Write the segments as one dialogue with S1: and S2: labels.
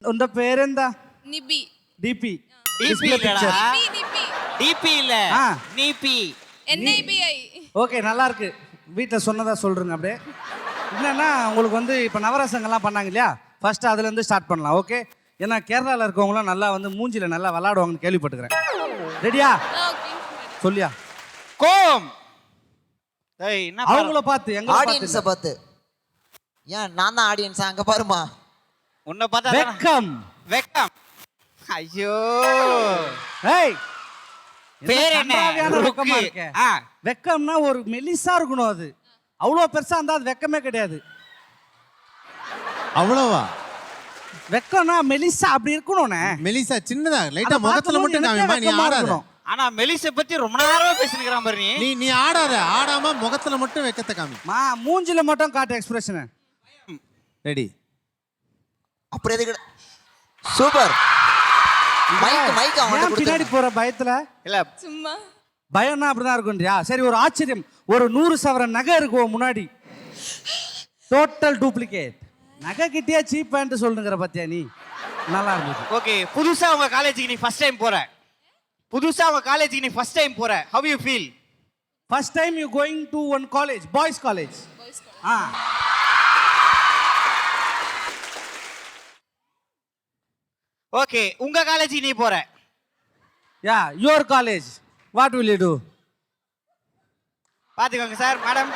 S1: உந்த பேர் എന്താ?
S2: நிபி.
S1: டிபி.
S3: டிபி இல்லடா.
S2: நிபி.
S3: டிபி இல்ல.
S1: ஆ.
S3: நிபி.
S2: NIBI.
S1: ஓகே நல்லா இருக்கு. வீட்டில் சொன்னதா சொல்றேங்க அப்படியே. என்னன்னா உங்களுக்கு வந்து இப்போ நவரசங்கள்லாம் பண்ணாங்க இல்லையா, ஃபர்ஸ்ட் அதுலேருந்து ஸ்டார்ட் பண்ணலாம். ஓகே, ஏன்னா கேரளாவில் இருக்கவங்களாம் நல்லா வந்து மூஞ்சில நல்லா விளாடுவாங்கன்னு கேள்விப்பட்டுக்கிறேன். ரெடியா?
S2: ஓகே.
S1: சொல்லியா?
S3: கோம். ஏய் என்ன
S1: அவங்கள பார்த்து எங்க
S4: ஆடியன்ஸை பார்த்து. ஏன் நான் தான் ஆடியன்ஸா? அங்க பாருமா.
S3: உன்னை பார்த்தா
S1: வெக்கம்.
S3: வெக்கம். ஐயோ.
S1: ஏய்
S3: பேர் என்ன?
S1: கன்றாவியான வெக்கமா இருக்கே.
S3: ஆ.
S1: வெக்கம்னா ஒரு மெலிசா இருக்கணும், அது அவ்வளோ பெருசா இருந்தா அது வெக்கமே கிடையாது.
S5: அவ்வளவா?
S1: வெக்கம்னா மெலிசா அப்படி இருக்கணும்னே.
S5: மெலிசா சின்னதா லைட்டா முகத்துல மட்டும் காமிமா. நீ ஆடாத.
S3: ஆனா மெலிசை பத்தி ரொம்ப நேரமா பேசினுக்கிறான் பாரு.
S5: நீ ஆடாத. ஆடாம முகத்துல மட்டும் வெக்கத்தை காமி.
S1: மூஞ்சில மட்டும் காட்டு எக்ஸ்பிரஷன்.
S5: ரெடி?
S4: அப்புறம் எதுக்கு? சூப்பர். மைக் அவங்க
S1: பின்னாடி போற பயத்துல
S3: இல்ல
S2: சும்மா
S1: பயம்னா அப்படிதான் இருக்கும்ன்றியா? சரி, ஒரு ஆச்சரியம். ஒரு 100 சவரன் நகை இருக்கும் முன்னாடி, டோட்டல் டூப்ளிகேட். நகை கிட்டியா சீப் பேண்ட் சொல்லுங்கிற பத்தியா நீ? நல்லா இருந்துச்சு.
S3: ஓகே, புதுசா உங்க காலேஜுக்கு நீ ஃபர்ஸ்ட் டைம் போற. புதுசா உங்க காலேஜுக்கு நீ ஃபர்ஸ்ட் டைம் போற. how you feel?
S1: First time you going to one college, boys college.
S3: Okay, உங்க காலேஜுக்கு நீ போற.
S1: Yeah, your college. What will you do?
S3: பாத்துக்கோங்க சார், மேடம்.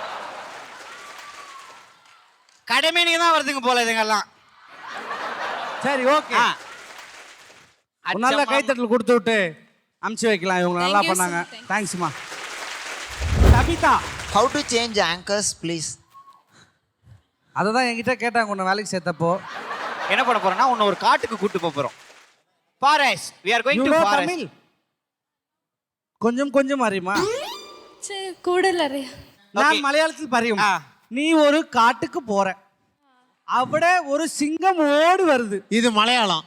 S3: கடமை நீங்க தான் வருதுங்க போல இதுங்கெல்லாம்.
S1: சரி, ஓகே. நல்ல கைத்தட்டல் கொடுத்து விட்டு அமுச்சு வைக்கலாம். இவங்க நல்லா பண்ணாங்க. தேங்க்ஸ்மா. Kavitha,
S4: how to change anchors please?
S1: அதை தான் என்கிட்ட கேட்டாங்க உன்னை வேலைக்கு சேர்த்தப்போ.
S3: என்ன பண்ண போறோம்னா உன்னை ஒரு காட்டுக்கு கூட்டு போறோம். Forest. we are going to forest.
S1: கொஞ்சம் கொஞ்சம் அறியுமா?
S2: சரி, கூடல அறியா.
S1: நான் மலையாளத்தில் பரியும். நீ ஒரு காட்டுக்கு போற, അവിടെ ஒரு சிங்கம் ஓடி வருது.
S5: இது மலையாளம்.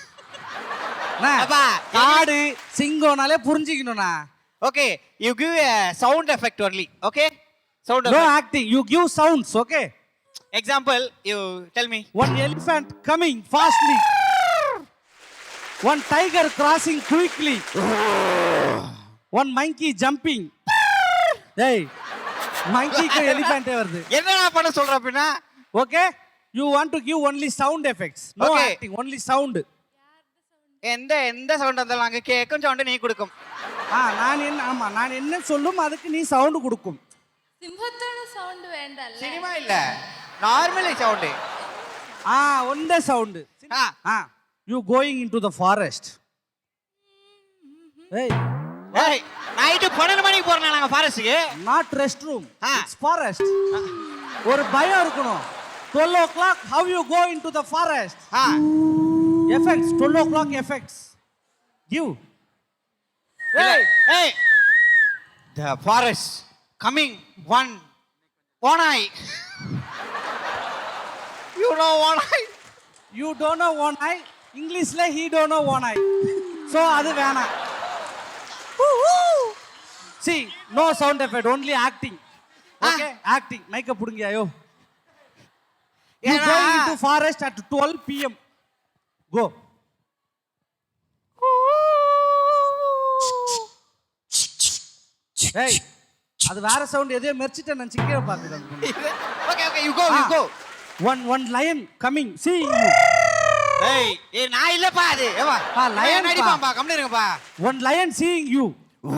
S1: காடு சிங்கம்னாலே புரிஞ்சுக்கணும்னா.
S3: Okay, you give a sound effect only. okay, sound
S1: no
S3: effect.
S1: acting, you give sounds. okay,
S3: example, you tell me.
S1: one elephant coming fastly, one tiger crossing quickly, one monkey jumping. hey, monkey க்கு elephant வருது.
S3: என்னடா பண்ண சொல்ற அப்படினா?
S1: okay, you want to give only sound effects, no
S3: okay.
S1: acting, only sound.
S3: எந்த sound வந்தாலும் அங்க கேக்கும் சவுண்ட் நீ கொடுக்கும்.
S1: நான் என்ன சொல்லும் அதுக்கு நீ சவுண்ட் கொடுக்கும்.
S2: சிம்பத்தோட சவுண்ட் வேண்டாம்ல.
S3: சினிமா இல்ல, நார்மலி சவுண்ட்.
S1: ஒன்றை sound. you going into the forest. hey
S3: night 12 மணிக்கு போறோம் நாங்க ஃபாரஸ்ட்க்கு.
S1: not rest room, it's forest. ஒரு பயம் இருக்கணும். 12 o'clock, how you go into the forest? effects, 12 o'clock effects give.
S3: hey the forest coming one eye. you know one eye?
S1: you don't know one eye. இங்கிலீஷ்ல he don't know one eye. so அது வேணாம். see, no sound effect, only acting. okay, acting. மைக்க புடுங்க. ஐயோ, you going into forest at 12 pm. go. hey, அது வேற sound. எதையோ மெர்ச்சிட்ட நான் சிக்கிர பாக்குறேன்.
S3: okay, you go.
S1: one lion coming, see you.
S3: hey நான் இல்லப்பா அது. ஏவா
S1: lion
S3: அடிப்பாம்பா, கம்முனு இருங்கப்பா.
S1: one lion seeing you,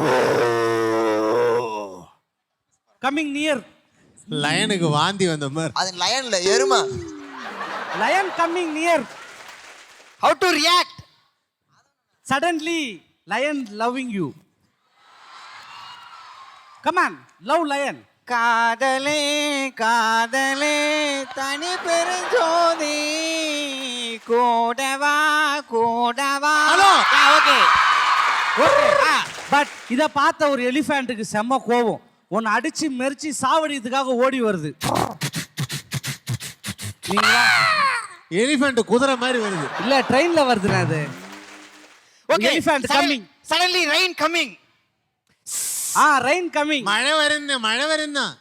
S1: coming near.
S5: லயனுக்கு வாந்தி வந்த மாதிரி.
S4: அது லயன்ல எருமை.
S1: lion coming near.
S3: how to react?
S1: suddenly lion loving you. come on, love lion.
S3: காதலே காதலே தனி பெருஞ்சோதி கூடவா கூடவா.
S5: ஹலோ.
S3: ஓகே
S1: பட் இத பார்த்த ஒரு எலிஃபண்ட்டுக்கு செம்ம கோவம். உன்னை அடிச்சு மெரிச்சு சாவடிக்கிறதுக்காக ஓடி வருது.
S5: எலிஃபண்ட் குதிரை மாதிரி வருது.
S1: இல்ல, ட்ரெயின்ல வருதுனா அது.
S3: Okay,
S1: elephant coming.
S3: suddenly rain coming.
S1: Rain coming.
S5: மழை வருது.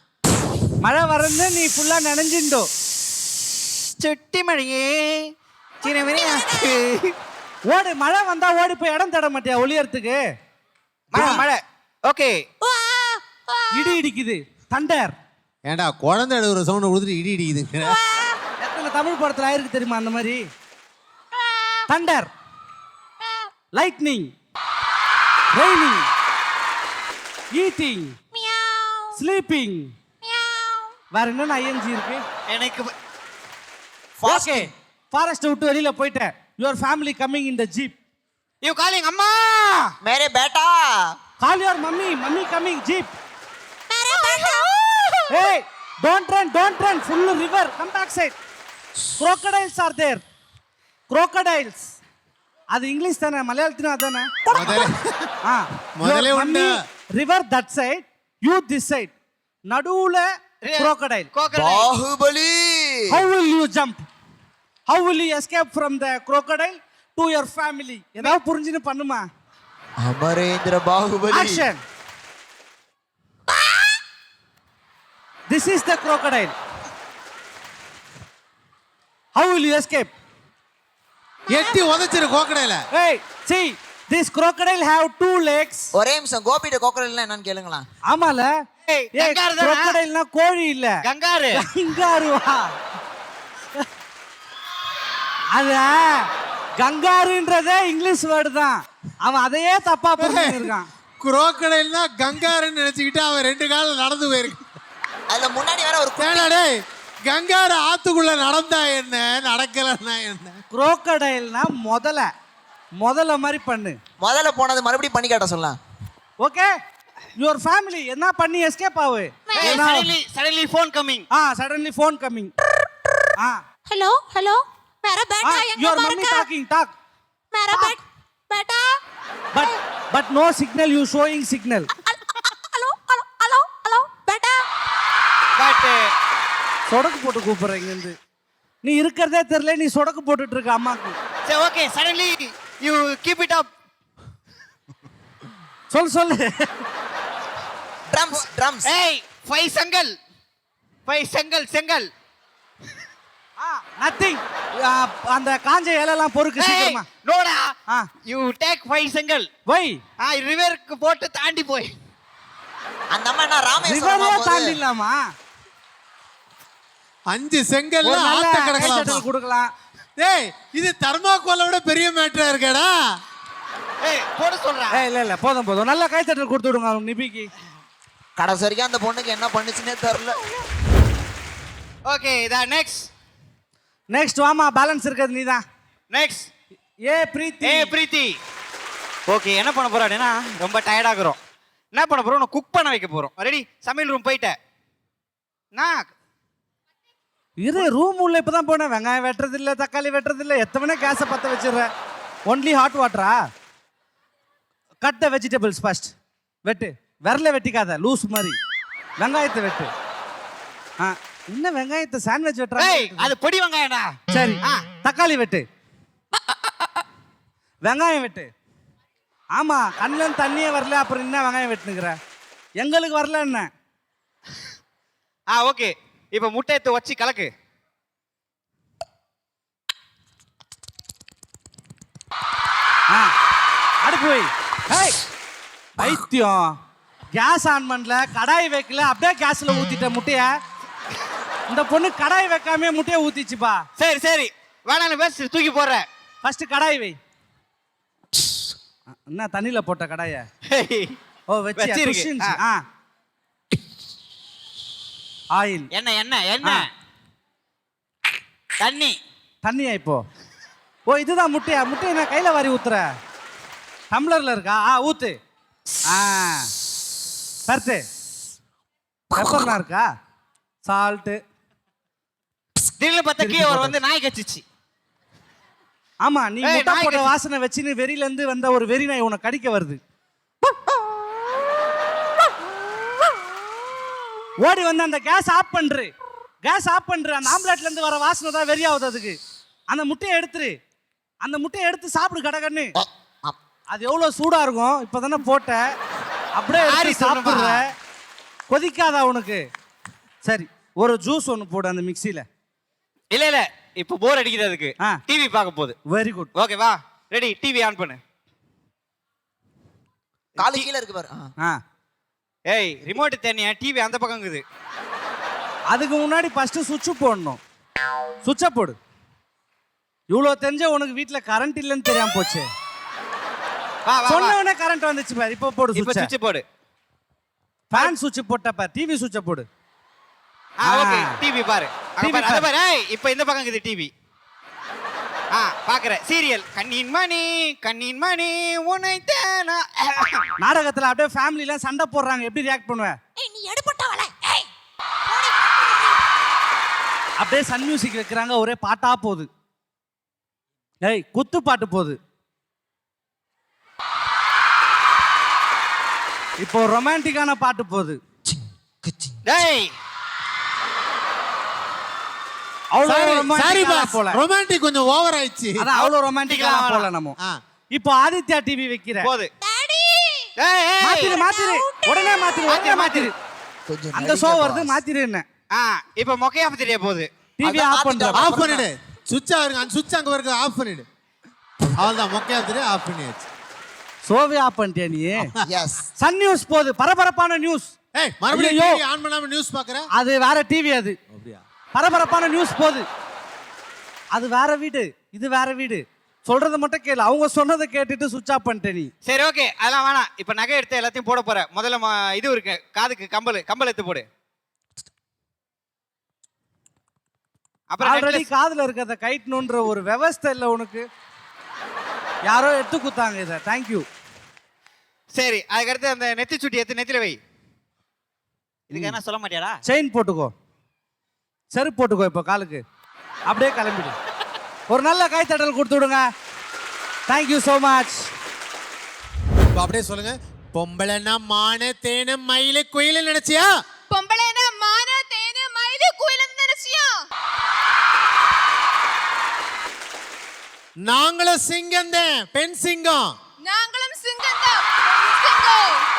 S1: மழை வருது. நீ ஃபுல்லா நனைஞ்சிண்டோ.
S3: சுட்டி மழையே சின்ன வினையாக்கு
S1: ஓடு, மழை வந்தா ஓடி போய் இடம் தேட மாட்டியா ஒளியறதுக்கு?
S3: மழை மழை ஓகே.
S1: இடி இடிக்குது, தண்டர்.
S5: ஏன்டா குழந்தை எழுதுற சவுண்ட் கொடுத்துட்டு இடி இடிக்குதுங்க.
S1: எத்தனை தமிழ் படத்துல ஆயிருக்கு தெரியுமா அந்த மாதிரி? Thunder, lightning, raining, eating, sleeping. வேற என்னென்ன ஐஎன்ஜி இருக்கு?
S3: எனக்கு
S1: ஓகே, ஃபாரஸ்ட் விட்டு வெளியில போயிட்டேன். Your family coming in the jeep.
S3: You calling அம்மா.
S4: मेरे बेटा
S1: call your mummy, mummy coming jeep. ஏய், don't run, full river, come back side. crocodiles are there. crocodiles. அது இங்கிலீஷ் தானே, மலையாளத்திலும் அதானே?
S5: முதல்ல உண்டு.
S1: River that side, you this side. நடுவுல crocodile.
S4: Baahubali
S1: How will you jump? How will you escape from the crocodile to your family? ஏதாவது புரிஞ்சுன்னு பண்ணுமா?
S4: Amarendra Baahubali
S1: Action. This is the crocodile. How will you escape?
S5: எட்டி உதைச்சிரு கோக்கடையில.
S1: Hey, see, this crocodile have 2 legs.
S4: ஒரே நிமிஷம் கோபிட்ட கோக்கரல்னா என்னன்னு கேளுங்களா.
S1: ஆமால.
S3: ஏய், kangaroo தானே?
S1: crocodileனா கோழி இல்ல.
S3: கங்காரு.
S1: கங்காருவா? அத கங்காருன்றதே இங்கிலீஷ் வேர்டு தான். அவன் அதையே தப்பா புரிஞ்சிருக்கான்.
S5: குரோக்கடைல்னா கங்காருன்னு நினைச்சுக்கிட்டு அவன் 2 கால நடந்து போயிருக்கு.
S4: அதுல முன்னாடி வேற ஒரு
S5: ஏன்டா டேய், கங்காரு ஆத்துக்குள்ள நடந்தா என்ன, நடக்கலன்னா என்ன?
S1: crocodileனா முதல்ல மாதிரி பண்ணு.
S4: முதல்ல போனது மறுபடியும் பண்ணி காட்ட சொல்லலாம்.
S1: ஓகே, யுவர் ஃபேமிலி என்ன பண்ணி எஸ்கேப் ஆவு.
S3: suddenly phone coming.
S1: Suddenly phone coming.
S6: Hello hello मेरा बेटा young
S1: your mummy talking talk.
S6: मेरा बेटा
S1: but no signal, you showing signal.
S6: Hello hello hello hello बेटा
S3: But
S1: சொடக்கு போட்டு கூப்பிடுறீங்க இருந்து. நீ இருக்கிறதே தெரியல, நீ சொடக்கு போட்டுட்டு இருக்க அம்மாக்கு.
S3: say okay, suddenly you keep it up.
S1: சொல்லு.
S4: ட்ரம்ஸ்
S3: Hey, 5 செங்கல்.
S1: நத்திங். அந்த காஞ்ச இலையெல்லாம் பொறுக்கு
S3: Hey,
S1: சீக்கிரமா.
S3: நோடா.
S1: ஆ.
S3: You take 5 செங்கல்.
S1: வை,
S3: ரிவருக்கு போட்டு தாண்டி போய்.
S4: அந்த அம்மா என்ன ராமேஸ்வரமா
S1: ரிவரே
S4: போகுது.
S1: தாண்டிடலாமா?
S5: 5 செங்கல்ல
S1: ஒரு நல்ல
S5: ஆத்த
S1: கை
S5: கிடக்கலாம்.
S1: தட்டல் கொடுக்கலாம்.
S5: டேய், இது தர்மாக்கோலை விட பெரிய மேட்டரா இருக்கேடா.
S3: ஏய், போட சொல்றா.
S1: இல்ல போதும். நல்ல கை தட்டல் கொடுத்து விடுங்க அவங்க நிபிக்கு.
S4: கடைசி வரைக்கும் அந்த பொண்ணுக்கு என்ன பண்ணுச்சுன்னே தெரியல.
S3: ஓகே, இதா
S1: நெக்ஸ்ட் வாமா, பேலன்ஸ் இருக்கிறது நீதான்.
S3: நெக்ஸ்ட்.
S1: ஏ பிரீத்தி.
S3: பிரீத்தி. ஓகே, என்ன பண்ண போறோம் அப்படின்னா, ரொம்ப டயர்ட் ஆகுறோம். என்ன பண்ண போறோம், நான் குக் பண்ண வைக்க போறோம். ரெடி? சமையல் ரூம் போயிட்டேன். நான்
S1: இரு, ரூம் உள்ள இப்பதான் போனேன். வெங்காயம் வெட்டுறது இல்ல, தக்காளி வெட்டுறது இல்ல. எத்தவனே கேஸை பத்த வச்சிடுறேன். ஒன்லி ஹாட் வாட்டரா? Cut the vegetables first. வெட்டு, விரல வெட்டிக்காத லூஸ் மாதிரி. வெங்காயத்தை வெட்டு. இன்னும் வெங்காயத்தை சாண்ட்விச் வெட்டுறாங்க.
S3: அது பொடி வெங்காயம்டா.
S1: சரி, தக்காளி வெட்டு. வெங்காயம் வெட்டு. ஆமா, கண்ணுல தண்ணியே வரல, அப்புறம் என்ன வெங்காயம் வெட்டுனுக்குற? எங்களுக்கு வரல என்ன?
S3: ஓகே, இப்போ முட்டை எடுத்து வச்சு கலக்கு.
S1: அடுப்பு வை. ஹேய், பைத்தியம். கேஸ் ஆன் பண்ணல, கடாய் வைக்கல, அப்படியே கேஸ்ல ஊத்திட்ட முட்டைய. இந்த பொண்ணு கடாய் வைக்காம முட்டையை ஊத்திச்சுப்பா.
S3: சரி வேணாம், பேச தூக்கி போடுற.
S1: ஃபர்ஸ்ட் கடாய் வை. என்ன தண்ணியில போட்ட கடாய? ஓ, வச்சிருக்கு. ஆயில்.
S3: எண்ணெய்.
S1: தண்ணியா இப்போ? ஓ, இதுதான் முட்டையா? முட்டையை நான் கையில வாரி ஊத்துற. டம்ளர்ல இருக்கா? ஊத்து. பருத்து. பெப்பர்லாம் இருக்கா? சால்ட்டு.
S3: திடீர்னு பார்த்தா கீழே ஒரு வந்து நாய் கச்சிச்சு.
S1: ஆமா, நீ முட்டை போட்ட வாசனை வச்சுன்னு வெறியில இருந்து வந்த ஒரு வெறி நாய் உனக்கு கடிக்க வருது. ஓடி வந்து அந்த கேஸ் ஆஃப் பண்று. அந்த ஆம்லெட்ல இருந்து வர வாசனை தான் வெறியாவுது அதுக்கு. அந்த முட்டையை எடுத்துரு. அந்த முட்டையை எடுத்து சாப்பிடு கடகன்னு. அது எவ்வளவு சூடா இருக்கும். இப்பதானே போட்ட, அப்படியே எடுத்து சாப்பிடுற. கொதிக்காதா உனக்கு? சரி, ஒரு ஜூஸ் ஒன்று போடு அந்த மிக்சியில.
S3: இல்ல இப்போ போர் அடிக்குது அதுக்கு
S1: ஆ.
S3: டிவி பார்க்க போகுது
S1: வெரி குட்
S3: ஓகே வா ரெடி டிவி ஆன் பண்ணு
S4: காலு கீழே இருக்கு பாரு
S1: ஆ
S3: ஏய் ரிமோட் தனியா டிவி அந்த பக்கம் இருக்குது
S1: அதுக்கு முன்னாடி ஃபர்ஸ்ட் சுவிட்ச் போடணும் சுவிட்சை போடு இவ்வளோ தெரிஞ்ச உனக்கு வீட்டில் கரண்ட் இல்லைன்னு தெரியாம போச்சு
S3: வா வா
S1: சொன்ன உடனே கரண்ட் வந்துச்சு பாரு இப்போ போடு
S3: இப்போ
S1: சுவிட்ச்
S3: சுவிட்ச் போடு
S1: ஃபேன் சுவிட்ச் போட்டப்ப டிவி சுவிட்சை போடு
S3: ஓகே டிவி பாரு அங்க
S1: TV
S3: பாரு அத
S1: பாரு.
S3: பாரு ஏய் இப்போ இந்த பக்கம் இருக்குது டிவி பாக்குற சீரியல் கண்ணின் மணி உன்னை தேனா
S1: நாடகத்தில் அப்படியே ஃபேமிலிலாம் சண்டை போடுறாங்க எப்படி ரியாக்ட் பண்ணுவேன்
S6: ஏய் நீ எடுபட்டவளே ஏய்
S1: அப்படியே சன் மியூசிக் வைக்கிறாங்க ஒரே பாட்டா போகுது ஏய் குத்து பாட்டு போகுது இப்போ ரொமான்டிக்கான பாட்டு போகுது
S3: டேய்
S1: அவ்வளோ
S5: சாரி
S1: ரொமான்டிக்கா
S5: பாஸ்
S1: போல
S5: ரொமான்டிக் கொஞ்சம் ஓவர் ஆயிடுச்சு
S1: அதான் அவ்வளோ ரொமான்டிக்கா
S3: ரொமான்டிக்கா
S1: போல நம்ம
S5: ஆ.
S1: இப்போ ஆதித்யா டிவி வைக்கிற
S3: போது
S6: டாடி
S3: ஏய் ஏய்
S1: மாத்திரு மாத்திரு உடனே மாத்திரு உடனே மாத்திரு
S4: கொஞ்சம்
S1: அந்த ஷோ வருது மாத்திரு என்ன
S3: இப்போ மொக்கையா தெரிய போகுது
S1: டிவி
S4: அதான்
S1: ஆஃப் பண்ற
S4: மாத்திட்டா.
S5: ஆஃப் பண்ணிடு சுவிட்ச் அவருக்கு அந்த சுவிட்ச் அங்க இருக்கு ஆஃப் பண்ணிடு அவ்வளவுதான் மொக்கையா தெரியும் ஆஃப் பண்ணியாச்சு
S1: ஷோவே ஆஃப் பண்ணிட்டியா நீ
S4: எஸ்
S1: சன் நியூஸ் போகுது பரபரப்பான நியூஸ்
S5: ஏய் மறுபடியும்
S1: ஐயோ.
S5: டிவி ஆன் பண்ணாம நியூஸ் பாக்குற
S1: அது வேற டிவி அது
S5: அப்படியா
S1: பரபரப்பான நியூஸ் போகுது அது வேற வீடு இது வேற வீடு சொல்றத மட்டும் கேளு அவங்க சொன்னதை கேட்டுட்டு சுவிட்ச் ஆஃப் பண்ணிட்ட நீ
S3: சரி ஓகே அதெல்லாம் வேணாம் இப்போ நகை எடுத்து எல்லாத்தையும் போட போற முதல்ல இது இருக்கு காதுக்கு கம்பல் எடுத்து போடு அப்புறம்
S1: ஆல்ரெடி
S3: necklace.
S1: காதுல இருக்கிறத கைட்டணுன்ற ஒரு விவஸ்தை இல்லை உனக்கு யாரோ எடுத்து குத்தாங்க இதை தேங்க்யூ
S3: சரி அதுக்கடுத்து அந்த நெத்தி சுட்டி எடுத்து நெத்தில வை இதுக்கு என்ன சொல்ல மாட்டியாடா
S1: செயின் போட்டுக்கோ செருப்பு போட்டுக்கோ இப்போ காலுக்கு அப்படியே கிளம்பிடு ஒரு நல்ல கைத்தட்டல் கொடுத்து விடுங்க தேங்க்யூ ஸோ மச்
S5: இப்ப அப்படியே சொல்லுங்க பொம்பளைன்னா மான தேனு மயிலு குயிலு நினைச்சியா
S2: பொம்பளைனா மான தேனு மயிலு குயிலன்னு நினைச்சியா
S5: நாங்களும் சிங்கம் தான் பெண் சிங்கம்
S2: நாங்களும் சிங்கம் தான் சிங்கம்